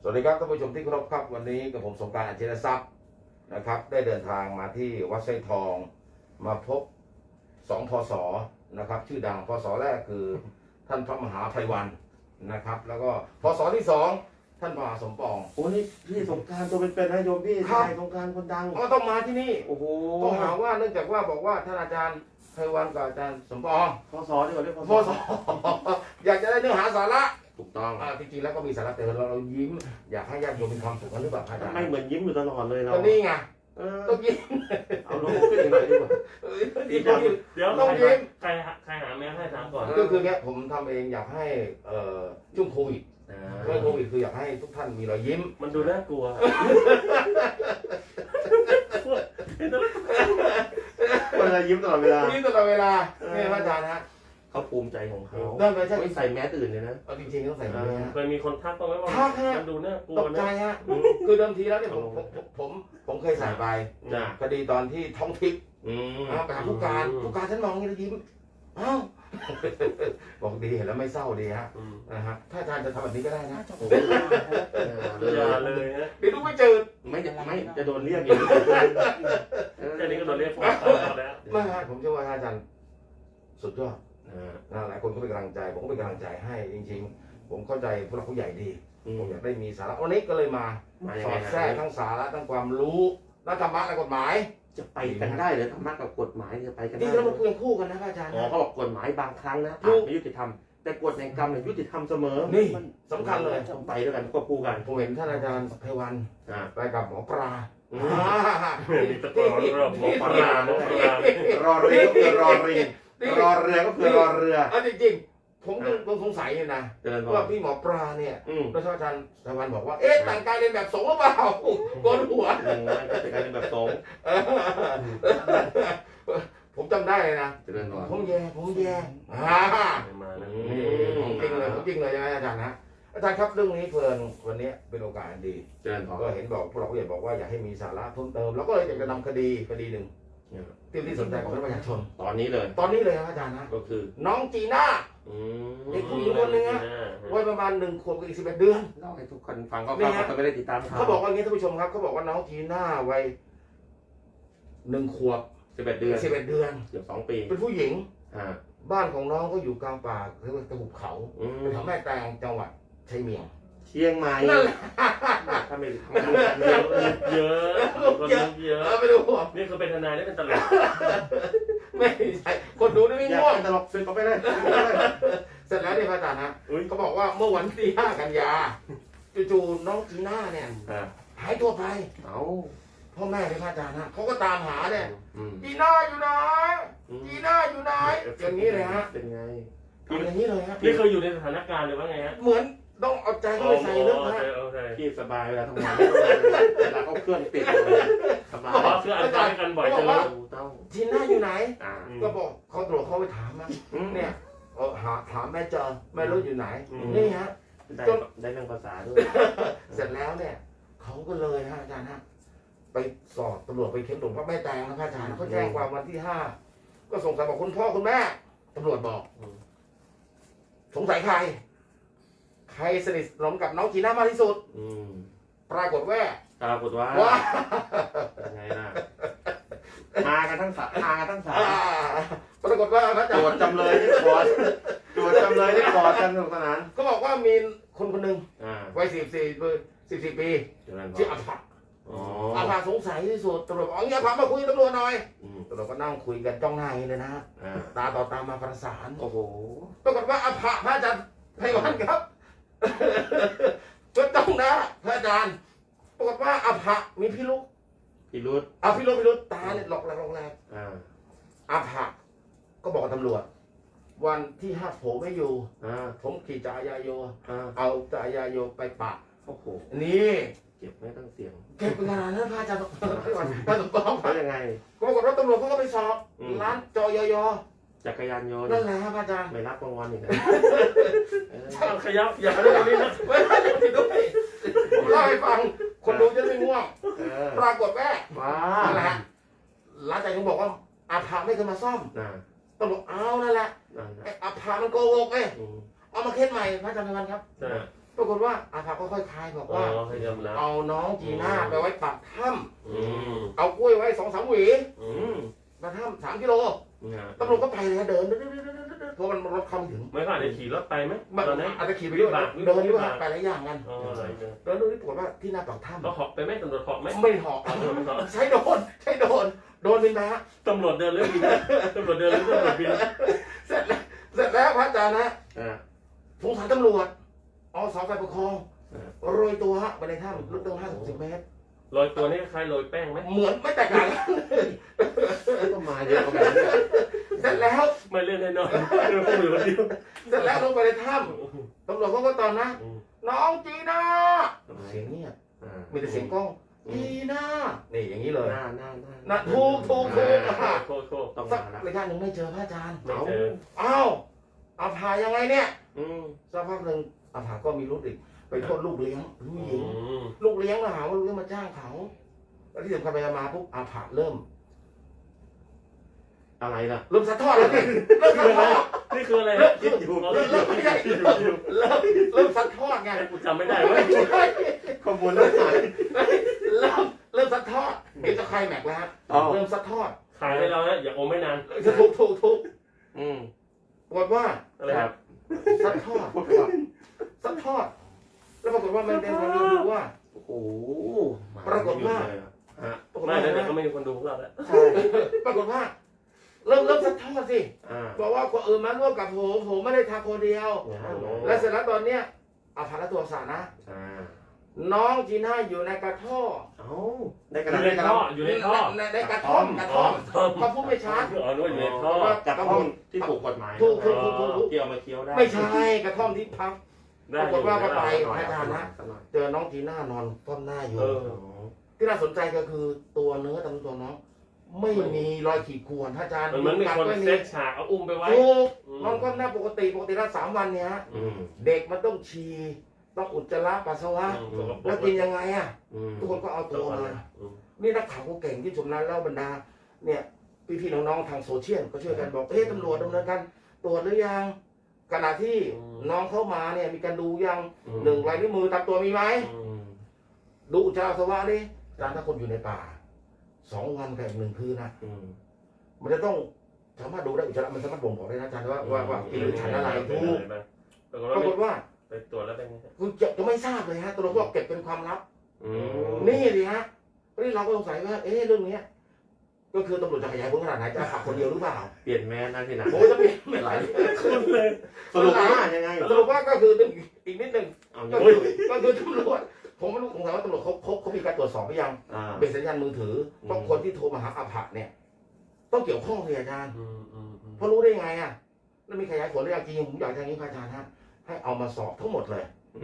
สวัสดีครับท่านผู้ชมที่เคารพครับวันนี้กับผมสงกรานต์ อัจฉริยทรัพย์นะครับได้เดินทางมาที่วัดไส้ทองมาพบ2 พศนะครับชื่อดังพศแรกคือท่านพระมหาไพวันนะครับแล้วก็พศที่2ท่านมหาสมปองโอ้นี่พี่สงกรานต์ตัวเป็นๆนะโยมพี่ครับชายสงกรานต์คนดังก็ต้องมาที่นี่โอ้โหก็หาว่าเนื่องจากว่าบอกว่าท่านอาจารย์ไพวันกับอาจารย์สมปองพศดีกว่าเรียกพศอยากจะได้เนื้อหาสาระถูกต้องจริงๆแล้วก็มีสาระแต่เรายิ้มอยากให้ญาติโยมมีความสุขกันหรือเปล่าอาจารย์ไม่เหมือนยิ้มอยู่ตลอดเลยเราก็นี่ไงเออต้องยิ้มเอาลงขึ้นอีกหน่อยดีกว่าดีกว่าเดี๋ยวต้องยิ้มใครหาแมวให้ถามก่อนก็คือเนี้ยผมทำเองอยากให้ช่วงโควิดอ่าช่วงโควิดคืออยากให้ทุกท่านมีรอยยิ้มมันดูน่ากลัวคนละยิ้มตลอดเวลายิ้มตลอดเวลาเนี่ยพระอาจารย์ฮะเขาภูมิใจของเขาได้ไหมใช่ไม่ใส่แมสอื่นเลยนะเอาจริงๆต้องใส่แบบนี้ฮะเคยมีคนทักบ้างไหมว่าทักฮะมันดูน่ากลัวตกใจนะฮะคือเดิมทีแล้วเนี่ยผมเคยใส่ไปจ้ะคดีตอนที่ท้องทิพย์อืมไปหาผู้การฉันมองอย่างนี้แล้วยิ้มอ้าวบอกดีเห็นแล้วไม่เศร้าดีฮะอืมนะฮะถ้าอาจารย์จะทำแบบนี้ก็ได้นะโอ้โหอย่าเลยฮะเดี๋ยวดูไม่เจอไม่จะโดนเรียกอีกแค่นี้ก็โดนเรียกฟ้องแล้วไม่ฮะผมเชื่อว่าอาจารย์สุดยอดอ่านะหลายคนก็เป็นกำลังใจผมก็เป็นกำลังใจให้จริงๆ ผมเข้าใจผู้หลักผู้ใหญ่ดี ผมอยากได้มีสาระวันนี้ก็เลยมามายัสงอไงดแทรกทั้งสาระทั้งความรู้และธรรมะและกฎหมายจะไปกันได้เหรือธรรมะกับกฎหมายจะไปกันนี่ได้เรามาคุยคู่กันนะอาจารย์อ๋อนะเขาบอกกฎหมายบางครั้งนะถูอาจกไม่ยุติธรรมแต่กฎแห่งกรรมเนี่ยยุติธรรมเสมอนี่มันสำคัญเลยต้องไปด้วยกันควบคู่กันผมเห็นท่านอาจารย์ไพวันอ่าไปกับหมอปลาอืมมีตะกอนเรื่องหมอปลาหมอปลารอเรือก็คือรอริงรอเรือก็คือรอเรือจริงๆผมยังสงสัยอยู่นะเจริญพรว่าพี่หมอปลาเนี่ยอืมพระอาจารย์ไพวันบอกว่าเอ๊ะแต่งกายเรียนแบบสงฆ์หรือเปล่าโกนหัวมันก็จะกลายเป็นแบบสงฆ์ผมจำได้เลยนะเจริญพรผมแย่มานะผมจริงเลยใช่ไหมอาจารย์นะอาจารย์ครับเรื่องนี้เพลินวันนี้เป็นโอกาสอันดีเจริญพรก็เห็นบอกพวกเราผู้ใหญ่บอกว่าอยากให้มีสาระเพิ่มเติมเราก็เลยอยากจะนำคดีหนึ่งที่สนใจของประชาชนตอนนี้เลยตอนนี้เลยครับอาจารย์นะก็คือน้องจีน่าอืมเด็กผู้หญิงคนหนึ่งอะ วัยประมาณ1 ขวบกับอีก11 เดือนเล่าให้ทุกคนฟังก็เขาก็ไม่ได้ติดตามข่าวเขาบอกว่าอย่างนี้ท่านผู้ชมครับเขาบอกว่าน้องจีน่าวัย1 ขวบ 11 เดือน 11 เดือนเกือบ2 ปีเป็นผู้หญิงอ่าบ้านของน้องก็อยู่กลางป่าเรียกว่าตะหุบเขาอืมแถวแม่แตงจังหวัดชัยเมียงเชียงใหม่นั่นแหละถ้าไม่เยอะคนเยอะไม่รู้นี่คือเป็นทนายได้เป็นตลกไม่ใช่คนดูนี่ไม่อยากง่วงเป็นตลกสึกเขาไปเลยเสร็จแล้วเนี่ยพระอาจารย์นะอุ้ยเขาบอกว่าเมื่อวันที่ 5 กันยาจู่ๆน้องจีน่าเนี่ยอ่าหายตัวไปเอาพ่อแม่เนี่ยพระอาจารย์นะเขาก็ตามหาเนี่ยอืมจีน่าอยู่ไหนจีน่าอยู่ไหนอย่างนี้เลยฮะเป็นไงทำอย่างนี้เลยฮะนี่เคยอยู่ในสถานการณ์หรือว่าไงฮะเหมือนต้องเอาใจเข้าไปใส่ลึกนะโอเคพี่สบายเวลาทำงานไม่ต้องเวลาเขาเครื่องติดสบายอ๋อคืออ่านข่าวด้วยกันบ่อยจังเลยต้องจีน่าอยู่ไหนอ่าก็บอกเขาตรวจเขาไปถามนะเนี่เนี่ย ยถามแม่เจอแม่รู้อยู่ไหนอืมนี่ฮะได้เรื่องภาษาด้วยเสร็จแล้วเนี่ยเขาก็เลยฮะอาจารย์ฮะไปสอบตำรวจไปเค้นตรงพระแม่แตงนะครับอาจารย์เขาแจ้งความวันที่ 5 ก็สงสัยบอกคุณพ่อคุณแม่ตำรวจบอก สงสัยใครสนิทสนมกับน้องจีน่ามากที่สุดอืมปรากฏว่าปรากฏว่าว่าเป็นไงล่ะมากันทั้งสามมากันทั้งสามปรากฏว่าพระอาจารโจทย์ย์จำเลยที่ขอโจทย์จำเลยที่ขอกันสนุกสนานเขาบอกว่ามีคนหนึ่งอ่าวัย14 ปีเจริญพรชื่ออภะอ๋ออภะสงสัยที่สุดตำรวจบอกเอางี้อภะมาคุยกับตำรวจหน่อยอืมตำรวจก็นั่งคุยกันจ้องหน้าอย่างนี้เลยนะอ่าตาต่อตามาประสานโอ้โหปรากฏว่าอภะพระอาจารย์ไพวันครับ ก็จ้องหน้าพระอาจารย์ปรากฏว่าอภะมีพิรุษพี่รุธพิรุษตาเนี่ยหลอกแหลกอ่าอภะก็บอกกับตำรวจ วันที่ 5ผมไม่อยู่อ่าผมขี่จักรยานโยนอ่าเอาจักรยานโยนไปปะโอ้โหนี่เก็บไม่ตั้งเสียงเก็บงานนั้นพระอาจารย์ไพวันพระสมปองแล้วยังไงก็ปรากฏว่าตำรวจเขาก็ไปสอบอืมร้านจอยยจักรยานยนต์นั่นแหละครับพระอาจารย์ไม่รับรางวัลอีกนะเออเอาขยับอย่าเรื่องนี้นะไม่ได้ผิดด้วยผมเล่าให้ฟัง คนดูจะไม่ง่วงเออปรากฏว่าว้านั่นแหละฮะหลังจากที่บอกว่าอาภาไม่เคยมาซ่อมน่ะตำรวจเอานั่นแหละนั่นน่ะไอ้อาภามันโกหกเอ้ยอืมเอามาเค้นใหม่พระอาจารย์ไพวันครับใช่ปรากฏากฏว่าอาภาก็ค่อยคลายบอกอ๋อว่าให้ยอมรับเอาน้องจีน่าไปไว้ปากถ้อืมำเอากล้วยไว้2-3 หวีอืมปากถ้ำ3 กิโลตำรวจก็ไปเลยเดินเพราะมันรถเข้าไม่ถึงไม่ก็อาจจะขี่รถไปไหมมันตอนนั้นอาจจะขี่ไปด้วยวิเดินด้วยบากไปหลายอย่างกันอ๋ออะไรเนี่ยเดินดูที่ปรากฏว่าที่หน้าปากถ้เขาเหาะไปไหมตำรวจเหาะไหมำไม่เหาะใช้โดนโดนบินไปฮะตำรวจเดินเรื่องบินตำรวจเดินเรื่องตำรวจบินเสร็จแล้วพระอาจารย์นะอ่าสงสารตำรวจอสฝ่ายปกครองอ่าโรยตัวฮะไปในถ้ำลึกตั้ง50-60 เมตรโรยตัวนี่คล้ายโรยแป้งไหมเหมือนไม่แตกต่างกันก็มาเยอะกว่าแบบนี้เสร็จแล้วไม่เล่นแน่นอนเรื่องพวกมือคนเดียวเสร็จแล้วลงไปในถ้ำตำรวจเขาก็ตอนนะอืมน้องจีน่าเสียงเงียบอ่ามีแต่เสียงกล้องจีน่านี่อย่างนี้เลยหน้านะถูกโคตรโคตรต้องสัมาก แล้วระยะหนึ่งไม่เจอพระอาจารย์ไม่เจออ้าวอาภายังไงเนี่ยอืมสักพักหนึ่งอาภาก็มีรู้อีกไปโทษลูกเลี้ยงผู้หญิงอืมลูกเลี้ยงมาหาว่าลูกเลี้ยงมาจ้างเขาแล้วที่สำคัญไปมาปุ๊บอาภาเริ่มอะไรล่ะเริ่มซัดทอดแล้วนี่เริ่มซัดทอดนี่คืออะไรเริ่มคิดอยู่เริ่มไม่ใช่เริ่มซัดทอดไงกูจำไม่ได้เว้ยไม่ใช่ข้อมูลเรื่องไหนเริ่มซัดทอดเดี๋ยวจะใครแม็กซ์แล้วฮะอ๋อเริ่มซัดทอดขายให้เรานะอย่าอมไม่นานจะถูกอืมปรากฏว่าอะไรครับซัดทอดซัดทอด แล้วปรากฏว่ามันเป็นความรู้ว่าโอ้โหปรากฏว่าฮะปรากฏไม่ว่าแล้วเดี๋ยวก็ไม่มีคนดูพวกเราแล้วใช่ปรากฏว่า เริ่มซัดทอดสิอ่าบอกว่าคนอื่นมาร่วมกับผมไม่ได้ทำคนเดียวโอ้โหและเสร็จแล้วตอนเนี้ยอาภาและตัวสารนะอ่าน้องจีน่าอยู่ในกระท่อเอ้าได้อกระดาษยู่ในได้กระท่อดาษอยู่ในท่อในกระท่อมกระท่อมท่อเขาพูดไม่ชัดอ๋อนึกว่าอยู่ในท่อกับห้องที่ถูกกฎหมายถูกที่เอามาเคี้ยวได้ไม่ใช่กระท่อมที่พักได้ปรากฏว่าก็ไปหน่อยอาจารย์นะสักหน่อยเจอน้องจีน่านอนก้มหน้าอยู่เออที่น่าสนใจก็คือตัวเนื้อตามตัวน้อง ไม่มีรอยขีดข่วนอาจารย์มันเหมือนมีคนไม่เซตฉากเอาอุ้มไปไว้ถูกอืมน้องก้มหน้าปกติแล้ว3 วันเนี้ยอืมเด็กมันต้องฉี่ต้องอุจจาระปัสสาวะสกปรแล้วกินยังไงอ่ะอืมทุกคนก็เอาตัวมาอืมนี่นักข่าวก็เก่งที่ชมนั้นแล้วบรรดา เนี่ยพี่ๆน้องๆทางโซเชียลก็ช่วยกันบอกเฮ้ยตำรวจดำเนินการตรวจหรือยังขณะที่น้องเข้ามาเนี่ยมีการดูยัง1 ลายนิ้วมือตามตัวมีไหมอืมดูอุจจาระปัสสาวะดิอาจารย์ถ้าคนอยู่ในป่า2 วันกับอีก1 คืนนะอืมมันจะต้องสามารถดูได้อุจจาระมันสามารถบ่งบอกได้นะอาจารย์ว่ากินหรือฉันอะไรถูกปรากฏปรากฏว่าว่าไปตรวจแล้วเป็นไงคุณจะไม่ทราบเลยฮะตัวเราก็เก็บเป็นความลับอืมนี่สิฮะนี่เราก็สงสัยว่าเรื่องเนี้ยก็คือตำรวจจะขยายผลขนาดไหนจะขับคนเดียวหรือเปล่าเปลี่ยนแมสนะที่ไหนโอ้จะเปลี่ยนไม่ไหลคุณเลยสรุปว่ายังไงสรุปว่าก็คืออีกนิดหนึ่งเอาก็ยังคือก็คือตำรวจผมไม่รู้สงสัยว่าตำรวจเขามีการตรวจสอบหรือยังอ่าเป็นสัญญาณมือถือเพราะคนที่โทรมาหาอาภะเนี่ย ต้องเกี่ยวข้องสิอาจารย์อืมอืมอืมเพราะรู้ได้ไงอ่ะแล้วมีขยายผลหรือยังจริงผมอยากทางนี้พระอาจารย์ฮะให้เอามาสอบทั้งหมดเลย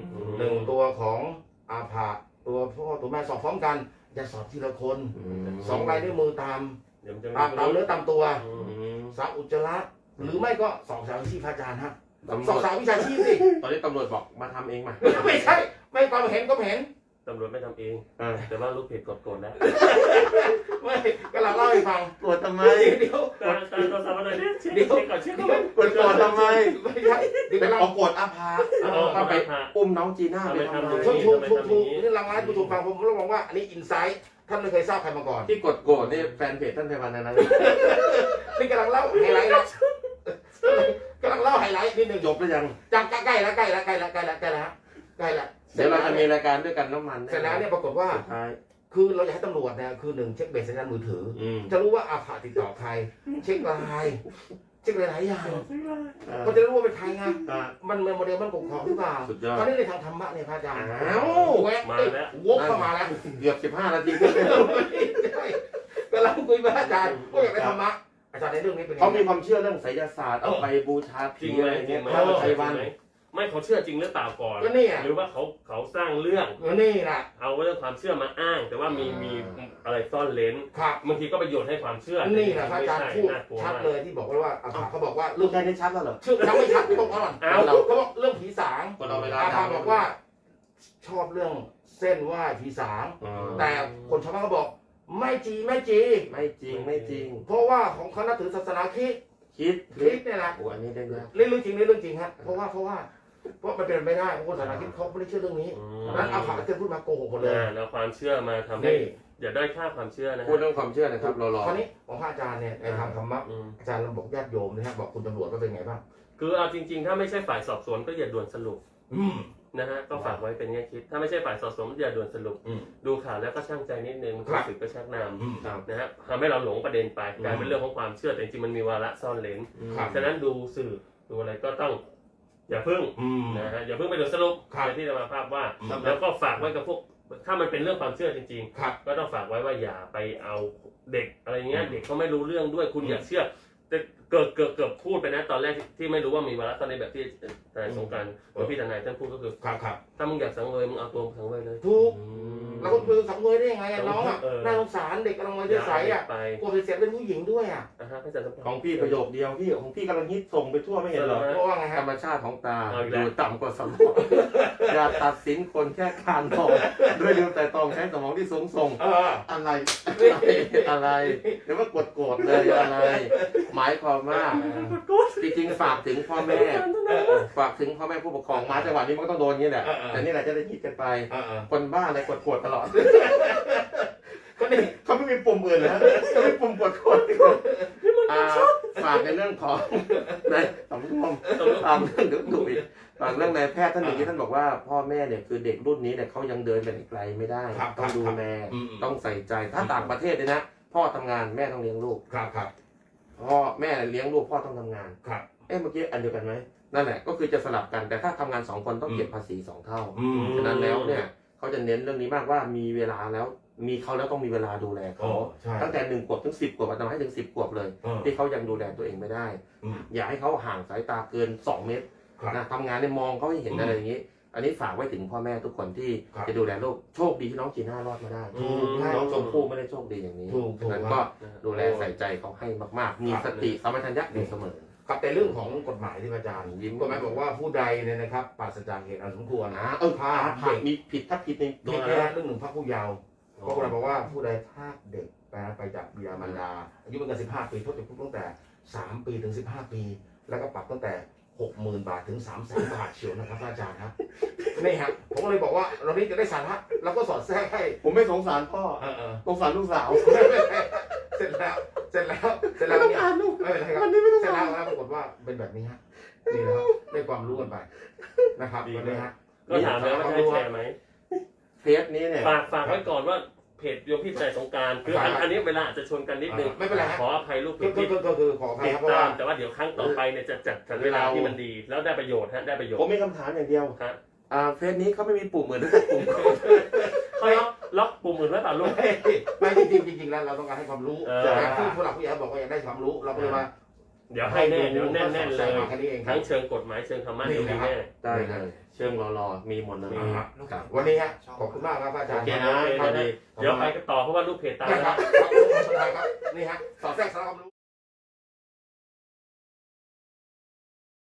1 ตัวของอาภะตัวพ่อตัวแม่สอบพร้อมกันอย่าสอบทีละคน2 ลายนิ้วมือตามเดี๋ยวมันจะตามเนื้อตามตัวอืม 3 อุจจาระหรือไม่ก็2 สาววิชาพระอาจารย์ฮะตำรสอวงจสาววิชาชีพสิตอนนี้ตำรวจบอกมาทำเองมาไม่ใช่ไม่ความเห็นก็เห็นตำรวจไม่ทำเองอ่าแต่ว่าลูกเพจกดโกรธแล้วไม่ก็เราเล่าให้ฟังตรวจทำไมเดี๋ยวตาตัวสาวอะไรเนี่ยเช็คก่อนเช็คก่อนตรวจทำไมไม่ใช่เดี๋ยวเป็นเราเอากวดอาภาก็ไปอุ้มน้องจีน่าไปทำไมถูกนี่รางวัลผู้ชมฟังผมเราบอกว่าอันนี้อินไซต์ท่านไม่เคยทราบใครมาก่อนที่กดโกรธนี่แฟนเพจท่านไพวันนะนี่กำลังเล่าไฮไลท์นะกำลังเล่าไฮไลท์นิดหนึ่งจบหรือยังจากใกล้แล้วเสร็เดี๋ยวเราจแล้วจะมีรายการด้วยกันน้ำมันเสร็จแล้วเนี่ยปรากฏว่าสุดท้ายคือเราอยากให้ตำรวจเนี่ยคือ1เช็คเบสสัญญาณมือถือ จะรู้ว่าอาภาติดต่อใคร เช็คไลน์เช็คหลายๆอย่างก็จะรู้ว่าเป็นใครไงมันโมเดลมันกของหรือเปล่าสุดยอดตอนนี้ในทางธรรมะเนี่ยพระอาจารย์อ้าวแวะวกเข้ามาแล้วเกือบ15 นาทีกำลังคุยพระอาจารย์ก็อยากได้ธรรมะอาจารย์ในเรื่องนี้เป็นเขามีความเชื่อเรื่องไสยศาสตร์เอาไปบูชาจผีริงอะไหมไรจริเงี้งยไหมพระไพวันไม่เขาเชื่อจริงหรือเปล่าก่อนก็นี่หรือว่าเขาสร้างเรื่องนี่แหละเอาเรื่องความเชื่อมาอ้าง แต่ว่ามีอะไรซ่อนเลนครับบางทีก็ประโยชน์ให้ความเชื่อนี่แหละพระอาจารย์พูดน่ากลัวชัดมากเลยที่บอกว่าอาภาเขาบอกว่าลูเรื่กองได้ชัดแล้วเหรอชื่อยังไม่ชัดตรงก่อนเอาเขาบอกเรื่องผีสางคนเอาเวลาอาภาบอกว่าชอบเรื่องเส้นไหว้ผีสาง แต่คนชาวบ้านก็บอกไม่จริงไม่จริงไม่จริงเพราะว่าของเขานับถือศาสนาคริสต์คิดคริสต์เนี่ยแหละโอ้อันนี้ได้ยากเรื่องจริงฮะเพราะว่าเพราะมันเป็นไม่ได้เพราะคนศาสนาคริสต์เขาไม่ได้เชื่อเรื่องนี้อืเพราะฉะนั้นเอาข่าวที่พูดมาโกหกหมดเลยแล้วความเชื่อมาทำให้นี่อย่าได้อยค่าความเชื่อนะพูดเรื่องความเชื่อนะครับรอคราวนี้ของพระอาจารย์เนี่ยในทางธรรมะอืมอาจารย์เราบอกญาติโยมนะฮะบอกคุณตำรวจว่าเป็นไงบ้างคือเอาจริงๆ ถ้าไม่ใช่ฝ่ายสอบสวนก็อย่าด่วนสรุปอืมนะฮะก็ฝากไว้เป็นแง่คิด ถ้าไม่ใช่ฝ่ายสอบสวนอย่าด่วนสรุปอืมดูข่าวแล้วก็ช่างใจนิดนึงครัรู้บสึกก็ชักนอืมำนะฮะทำให้เราหลงประเด็นไปกลายเป็นเรื่องของความเชื่อแต่จริงๆมันมีวาระซ่อนเลนครับฉะนั้นดูสื่อดูอะไรก็ต้องอย่าพึ่งอืมนะฮะอย่าพึ่งไปด่วนสรุปครับอย่างที่จะมาภาพว่าครับแล้วก็ฝากไว้กับพวกถ้ามันเป็นเรื่องความเชื่อจริงครับๆ ก็ต้องฝากไว้ว่าอย่าไปเอาเด็กอะไรเงี้ยอืมเด็กเขาไม่รู้เรื่องด้วยคุณอืมอย่าเชื่อแต่เกือบพูดไปนะตอนแรกที่ไม่รู้ว่ามีวาระตอนในแบบที่ทนายสงกรานต์หรือพี่ทนายท่านพูดก็คือครับครับถ้ามึงอยากสังเวยมึงเอาตัวมึงสังเวยเลยถูกอืมแล้วก็คือสังเวยได้ยังไงอะน้องอะเออน่าสงสารเด็กกำลังวัยจะใสอ่ะไปกลัวเสียเป็นผู้หญิงด้วยอ่ะนะฮะพระอาจารย์สมพรของพี่ประโยคเดียวพี่ของพี่กำลังฮิตส่งไปทั่วไม่เห็นเหรอเพราะว่าไงธฮะรรมชาติของตาเอาอีกอแล้วยู่ต่ำกว่าสมองอย่าตัดสินคนแค่คานมองด้วยเดียวแต่ตองใช้สมองที่สูงส่งเอออะไรอะไรเดี๋ยวว่ากดโกรธเลยอะไร หมายความว่าจริงๆฝากถึงพ่อแม่ฝากถึงพ่อแม่ผู้ปกครองมาจังหวะนี้มันก็ต้องโดนอย่างนี้แหละแต่นี่แหละจะได้คิดกันไปเออเออคนบ้าอะไรกดโกรธตลอดก็นี่เขาไม่มีปุ่มอื่นนะเขาไม่มีปุ่มกดโกรธฝากในเรื่องของในสังคมฝากเรื่องดุอีกฝากเรื่องนายแพทย์ท่านหนึ่งที่ท่านบอกว่าพ่อแม่เนี่ยคือเด็กรุ่นนี้เนี่ยเขายังเดินไปไกลไม่ได้ครับต้องดูแลอืมต้องใส่ใจถ้าต่างประเทศเนี่ยนะพ่อทำงานแม่ต้องเลี้ยงลูกครับครับพ่อแม่เลี้ยงลูกพ่อต้องทำงานครับเมื่อกี้อันเดียวกันไหมนั่นแหละก็คือจะสลับกันแต่ถ้าทำงาน2คนต้องเก็บภาษี2เท่าอืมฉะนั้นแล้วเนี่ยเขาจะเน้นเรื่องนี้มากว่ามีเวลาแล้วมีเขาแล้วต้องมีเวลาดูแลโอ้เขาใช่ตั้งแต่1 ขวบถึง10 ขวบอาจจะให้ถึง10 ขวบเลยเออที่เขายังดูแลตัวเองไม่ได้อืมอย่าให้เขาห่างสายตาเกิน2 เมตรครับนะทำงานเนี่ยมองเขาให้เห็นอืมอะไรอย่างนี้ อันนี้ฝากไว้ถึงพ่อแม่ทุกคนที่ครับจะดูแลลูกโชคดีที่น้องจีน่ารอดมาได้ถูกน้องชมพู่ไม่ได้โชคดีอย่างนี้ถูกฉะนั้นก็ดูแลใส่ใจเขาให้มากๆ มีสติสัมปชัญญะอยู่เสมอครับแต่เรื่องของกฎหมายที่พระอาจารย์ยิ้มกฎหมายบอกว่าผู้ใดเนี่ยนะครับปราศจากเหตุอันสมควรพาผ่านมีผิดถ้าผิดในมีแค่เรื่องหนึ่งพรรคผู้เยาว์ก็กฎหมายบอกว่าผู้ใดพรากเด็กไปจากบิดามารดาอายุไม่เกิน15 ปีโทษจำคุกตั้งแต่3 ปีถึง15 ปี แล้วก็ปรับตั้งแต่ 60,000 บาทถึง 300,000 บาทเชียวนะครับอาจารย์ครับนี่ฮะผมก็เลยบอกว่าเรานี้จะได้สาระเราก็สอดแทรกให้ผมไม่สงสารพ่อเออสงสารลูกสาวเสร็จแล้วเนี่ยไม่เป็นไรครับวันนี้ไม่ต้องเสร็จอ่าแล้วนปรากฏว่าเป็นแบบนี้ฮะนี่นะครับได้ความรู้กันไปนะครับวันนี้ฮะก็ถามแล้วว่าจะให้แชร์ไหมเฟซนี้เนี่ยฝากไว้ก่อนว่าเพจโยมพี่ทนายสงกรานต์คืออันนี้เวลาอาจจะชนกันนิดนึงไม่เป็นไรฮะขออภัยลูกเพจก็คือขออภัยติดครับเพราะตาว่ามแต่ว่าเดี๋ยวครั้งต่อไปเนี่ยจะจัดสรรเวลาที่มันดี แล้วได้ประโยชน์ฮะได้ประโยชผมน์มีคำถามอย่างเดียวฮะเฟซนี้เขาไม่มีปุ่มเหมือนปุ่มเขาล็อกปุ่มอื่นไว้เปล่าลูกไม่จริงแล้วเราต้องการให้ความรู้เออแต่ที่ผู้หลักผู้ใหญ่บอกว่าอยากได้ความรู้เราก็เลยมาเดี๋ยวให้แน่เดี๋ยวแน่นๆเลยแค่นี้เองครัทั้บงเชิงกฎหมายเชิงธรรมะเดี๋ยวมีแน่ได้เลยเชิงรอๆมีหมดเลยครับวันนี้ฮะขอบคุณมากครับอาจารย์โอเคนะครับเดี๋ยวไปกันต่อเพราะว่าลูกเพจตามได้แล้วครับนี่ฮะสอดแทรกสาระความรู้